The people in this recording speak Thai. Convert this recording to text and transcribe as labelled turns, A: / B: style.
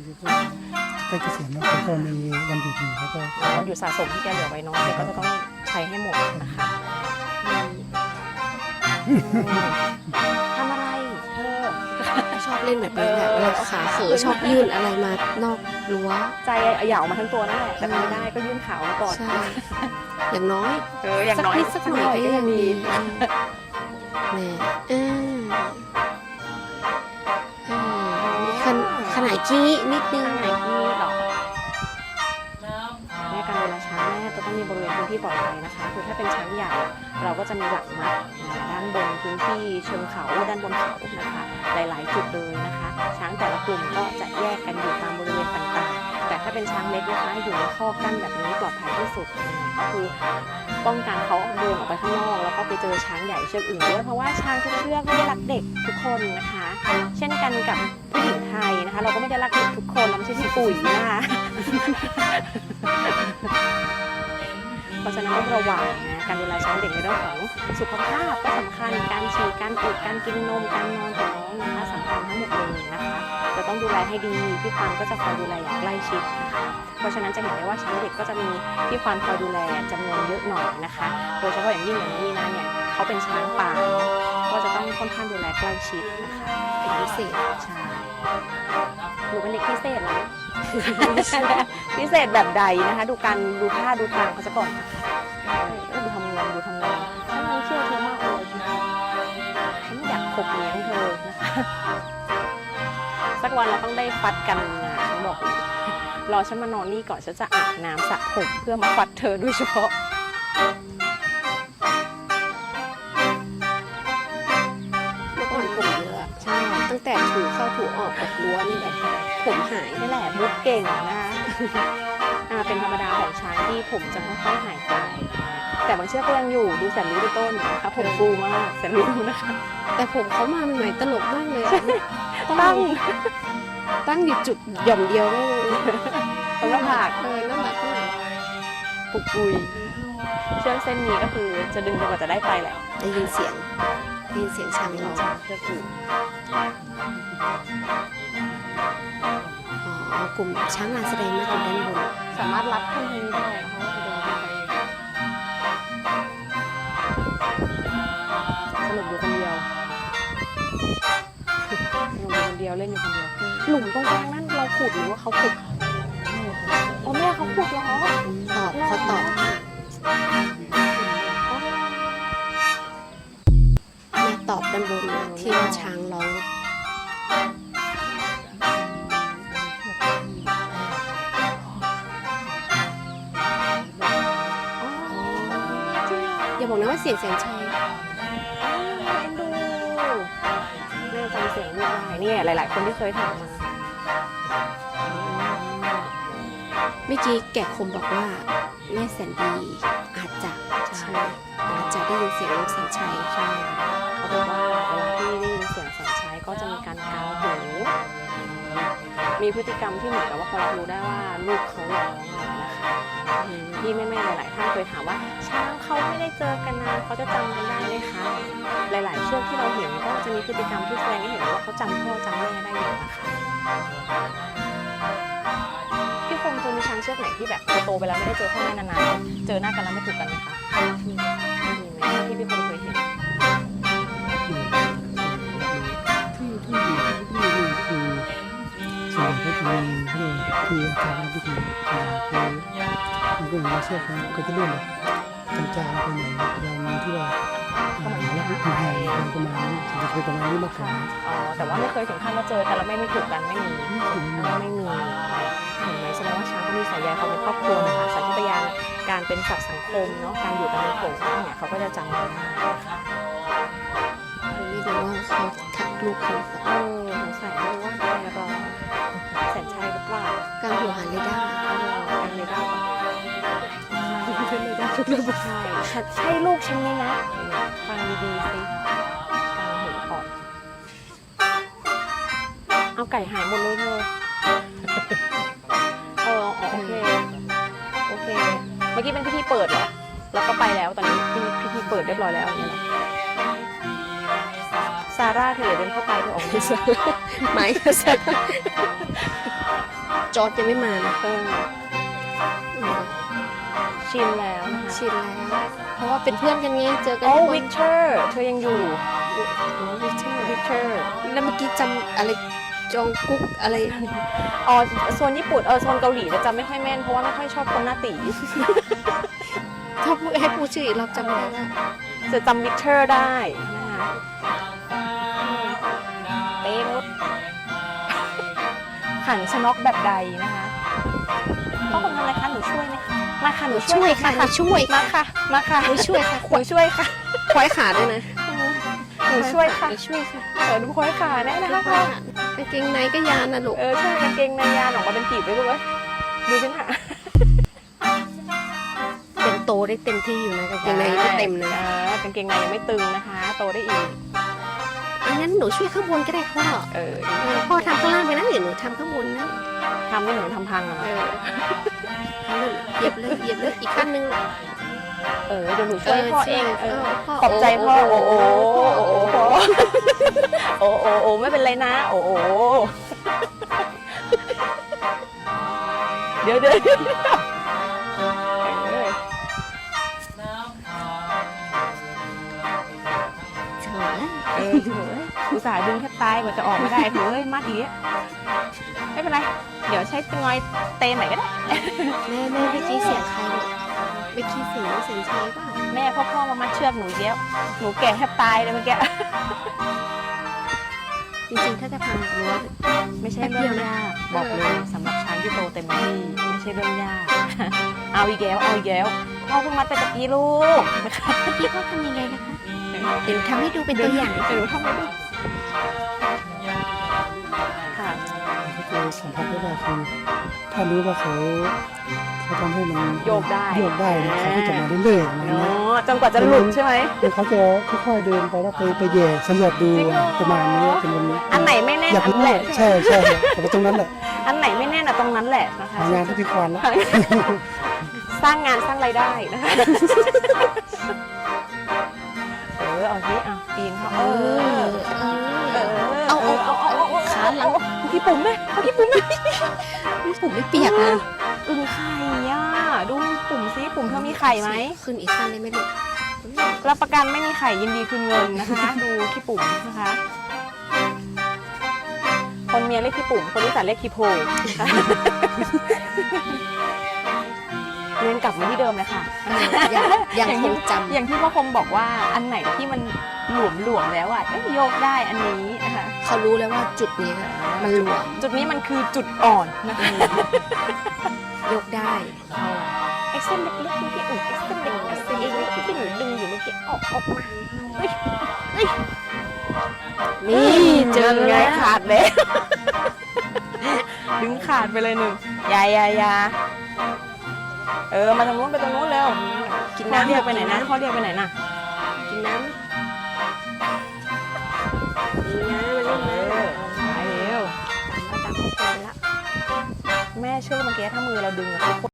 A: ใกล้เกษียณแล้วเขาก็มีวันหยุดอยู่เขาก็
B: วันหยุดสะสมที่แกเหลือไว้เนาะแกก็จะต้องใช้ให้หมดนะคะทำอะไรเธอ
C: ชอบเล่นแบบนี้แหละเวลาขาเขอชอบยื่นอะไรมานอกรั้ว
B: ใจเหยามาทั้งตัวนั่นแหละแต่ไม่ได้ก็ยื่นขามาก่อน
C: ใช่อย่างน้อย
B: อย่างน้อย
C: สักหน่อยก็ยังดีแม่มีขนาดกี้นิดนึง
B: ไหนกี้หรอแม่การดูแลช้างแม่จะต้องมีบริเวณพื้นที่ปลอดภัยนะคะคือถ้าเป็นช้างใหญ่เราก็จะมีหลักมัดด้านบนพื้นที่เชิงเขาด้านบนเขานะคะหลายๆจุดเลยนะคะช้างแต่ละกลุ่มก็จะแยกกันอยู่ตามบริเวณต่างๆแต่ถ้าเป็นช้างเล็กนะคะอยู่ในข้อกั้นแบบนี้ปลอดภัยที่สุดก็คือป้องกันเขาเดินออกไปข้างนอกแล้วก็ไปเจอช้างใหญ่เชือกอื่นด้วยเพราะว่าช้างทุกเชือกไม่ได้รักเด็กทุกคนนะคะเช่นกันกับผู้หญิงไทยนะคะเราก็ไม่ได้รักเด็กทุกคนเราไม่ใช่พี่ปุ๋ยนะคะเพราะฉะนั้นต้องระวังนะการดูแลช้างเด็กในเรื่องของสุขภาพก็สำคัญการฉี่การอุดการกินนมการนอนของน้องนะคะสำคัญทั้งหมดเลยนะคะจะต้องดูแลให้ดีพี่ควานก็จะคอยดูแลอย่างใกล้ชิดนะคะเพราะฉะนั้นจะเห็นได้ว่าช้างเด็กก็จะมีพี่ควานคอยดูแลจำนวนเยอะหน่อยนะคะโดยเฉพาะอย่างยิ่งอย่างนี้นะเนี่ยเขาเป็นช้างป่าก็จะต้องค่อนข้างดูแลใกล้ชิดนะคะ
C: เป็นพิเศษ
B: ใช่หนูเป็นเด็กพิเศษนะพิเศษแบบใดนะคะดูการดูท่าดูทางเขาซะก่อนดูทำงานฉันเชื่อเธอมากเลยฉันอยากขบเลี้ยงเธอนะคะสักวันเราต้องได้ฟัดกันนะฉันบอกรอฉันมานอนนี่ก่อนฉันจะอาบน้ำสระผมเพื่อมาฟัดเธอโดยเฉพาะ
C: เมื่อก่อนผมเยอะใช่ตั้งแต่ถูเข้าถูออกกับรั้วนี่แหละผมหาย
B: นี่แหละมุกเก่งนะคะเป็นธรรมดาของช้างที่ผมจะค่อยๆหายไปแต่บางเชือกก็ยังอยู่ดูแสนรู้ด้วยต้นนะคะผมฟูมากแสนรู้นะคะ
C: แต่ผมเขามาใหม่ตลกมากเลยตั้งอยู่จุดหย่อมเดียวไม่
B: ตรงหน้าผาก
C: น่ารักมาก
B: ปุกปุยเชือกเส้นนี้ก็คือจะดึงจนกว่าจะได้ไปแหละ
C: ได้ยินเสียงช้างร้อง
B: เชือกอื่น
C: กลุ่มช้างงานแสดงมาอยู่ด้านบน
B: สามารถรับขึ้นทางนี้ได้นะคะสนุกอยู่คนเดียวเล่นอยู่คนเดียวหลุมตรงกลางนั่นเราขุดหรือว่าเขาขุดอ๋อแม่เขาขุดเหรอ
C: เขาตอบแม่ตอบด้านบนที่ช้างร้องอย่าบอกนะว่าเสียงแสนชัย
B: ดูแม่จำเสียงไม่ได้เนี่ยหลายๆคนที่เคยถามมา
C: เมื่อกี้แกะคมบอกว่าแม่แสนดีอาจจะได้ยินเสียงลูกแสนชัย
B: ใช่เขาบอกว่าเวลาที่ได้ยินเสียงแสนชัยก็จะมีการเกาหูมีพฤติกรรมที่เหมือนกับว่าเขารับรู้ได้ว่าลูกเขาร้องนะคะที่แม่ๆหลายๆท่านเคยถามว่าช้างเขาไม่ได้เจอกันนานเขาจะจำกันได้ไหมคะหลายๆเชือกที่เราเห็นก็จะมีพฤติกรรมที่แสดงให้เห็นว่าเขาจำพ่อจำแม่ได้อยู่นะคะพี่คงเคยมีช้างเชือกไหนที่แบบโตไปแล้วไม่ได้เจอพ่อแม่นานๆเจอหน้ากันแล้วไม่ถูกกันไหมคะมีไหมที่พี่คงเคยเห็น
A: ส่วนที่มีที่อาจารย์พิธีมันก็เหมือนเชือกก็จะเลื่อนจางๆไปหน่อยอย่างที่ว่าแล้วก็ประมาณนี้จะเป็นประมาณนี้มากกว่า
B: แต่ว่าไม่เคยถึงขั้นว่าเจอกันแล้วไม่ถูกกันไม่มีเห็นไหมแสดงว่าช้างก็มีสายใยเขาเป็นครอบครัวนะคะสัญชาตญาณการเป็นสัตว์สังคมเนาะการอยู่กันในโขลงเนี่ยเขาก็จะจำได้นะคะ
C: ไม่รู้ว่าเขาทักลูกเขา
B: สงสัยไม่รู้ว่าอะไรรอแสนชัยหรือเปล่า
C: การหัวหันเลยได้
B: การเลยได้ทุกเรื่องใช่ใช่ลูกฉันไหมนะฟังดีๆสิการเห็นขอดเอาไก่หายหมดเลยเธอโอเคเมื่อกี้เป็นพิธีเปิดเหรอแล้วก็ไปแล้วตอนนี้พิธีเปิดเรียบร้อยแล้วอย่างเงี้ยซาร่าเธอเดินเข้าไปเธอออกมา
C: ไม่ค่ะจอร์จยังไม่มานะ
B: เออชินแล้วนะคะ
C: ชินแล้ว เพราะว่าเป็นเพื่อนกันไงเจอกัน
B: โอ้
C: ทุกวัน
B: วิกเตอร์เธอยังอยู่
C: วิกเตอร์
B: วิกเตอร์
C: แล้วเมื่อกี้จำอะไรจองกุ๊กอะไร
B: อ๋อโซนญี่ปุ่นโซนเกาหลีจะจำไม่ค่อยแม่นเพราะว่าไม่ค่อยชอบคนหน้าตี
C: ถ้าพูดให้พูดชื่ออีกรอบจำไม่ได้ละ
B: จะจำวิกเตอร์ได้นะคะเต้นุชขันชนกแบบใดนะคะพ่อคุณทำอะไรคะหนูช่วยไหมคะมาค่ะหนูช่
C: ช่
B: ว
C: วย ยค่ะ
B: มา
C: ช่วย
B: มาค่ะมาค่ะ
C: หนูช่วยค่ะ
B: หนูช่วยค่ะ
C: ควายขาด้วยนะ
B: หนูช่วยค่ะ
C: หนูช่วยค่ะ
B: ดูคอยขาแน่นะคะพ่อก
C: างเกงในก็ยานนะลูก
B: ใช่กางเกงในยานออกมาเป็นปีบเลยลูกเอ้ยดูสิค่ะ
C: เป็นโตได้เต็มที่อยู่นะกางเกงในก็เต็มนะ
B: กางเกงในยังไม่ตึงนะคะ โตได้อีก
C: อันนั้นหนูช่วยข้างบนก็ได้พ่อพ่อทำข้างล่างไปนะเดี๋ยวหนูทำข้างบนนะ
B: ทำให้หนูทำพังอ่ะ
C: ทำเลยเหยียบเลยเหยียบเลยอีกขั้นหนึง
B: เดี๋ยวหนูช่วยพ่อเอง
C: พ่อ
B: ขอบใจพ่อโอ้โหโอ้โหโอ้ไม่เป็นไรนะโอ้โหเดี๋ยว
C: เฉย
B: อุตส่าห์ดึงแทบตายกว่าจะออกไม่ได้มัดอีกไม่เป็นไรเดี๋ยวใช้งอยเตนไหนก็ได้
C: แม่เมื่อกี้เสียงใครเมื่อกี้เสียงเชยป่ะ
B: แม่พ่อมามัดเชือกหนูเยอะหนูแก่แทบตายเลยเมื่อกี้
C: จริงๆถ้าจะพังรั้ว
B: ไม่ใช่เรื่องยากบอกเลยสำหรับช้างที่โตเต็มที่ไม่ใช่เรื่องยาก เอาอีกแล้วพ่อเพิ่งมัดไปตะกี้ลูกนะคะ
C: พี่พ่อทำยังไงนะคะเดี๋ยวทำให้ดูเป็นตัวอย่าง
B: เดี๋ยวทำให้ดูค่ะ
A: ก็คือสัมผัสได้ว่าคือถ้ารู้ว่าเขาทำให้มัน
B: โยกได้
A: เนี่ยเขาก็จะมาเรื่อยๆอะไร
B: เนา
A: เงี้ย
B: ะจนกว่าจะหลุดใช่ไหม
A: แล้วเขาจะค่อยๆเดินไปแล้วไปแย่สำรวจดูประมาณนี้เป็นวันนี้
B: อันไหนไม่แน่น
A: อยาก
B: อัน
A: รู้
B: แหละ
A: ใช่แต่ว่าตรงนั้นแหละ
B: อันไหนไม่แน่นอะตรงนั้นแหละนะคะ
A: หางานที่พิควานแล้ว
B: สร้างงานสร้างรายได้นะคะเอาสิปีนเขา
C: เอาขาหลัง
B: พี่ปุ๋มไหมพี่ปุ๋มไหม
C: ผมไม่เปียกนะ
B: อึ่งไข่อ่ะดูปุ่มซิปุ่มเธอมีไข่ไหม
C: ขึ้นอีกขั้นได้ไหมลูก
B: รับประกันไม่มีไข่ยินดีคืนเงินนะคะ ดูขี้ปุ่มนะคะ คนเมียเรียกขี้ปุ่มคนที่สานเรียกขี้โพเรียนกลับมาที่เดิมเลยค่ะ
C: ยังคงจำ
B: อย่างที่พ่อคมบอกว่าอันไหนที่มันหลวมแล้วอ่ะโยกได้อันนี้นะคะ
C: เขารู้แล้วว่าจุดนี้มันหลวม
B: จุดนี้มันคือจุดอ่อนนะคะ
C: ยกได้
B: เอ็กเซนเล็กๆเมื่อกี้เอ็กเซนเล็กๆที่หนูดึงอยู่เมื่อกี้ออกมา
C: นี่เจอ
B: ไง
C: แล้ว
B: ขาดเลย ดึงขาดไปเลยหนึ่งยามาทางนู้นไปตรงนู้นเร็ว
C: กิน
B: พ่อ
C: น้ำ
B: เรียกไปไหนนะพ่อเรียกไปไหนน่ะ
C: กินน้ำนี่นะมันนี่นะ
B: ไปเร็ว
C: ตามเขาไปแล้ว
B: แม่เชื่อเมื่อกี้ถ้ามือเราดึงอะทุกคน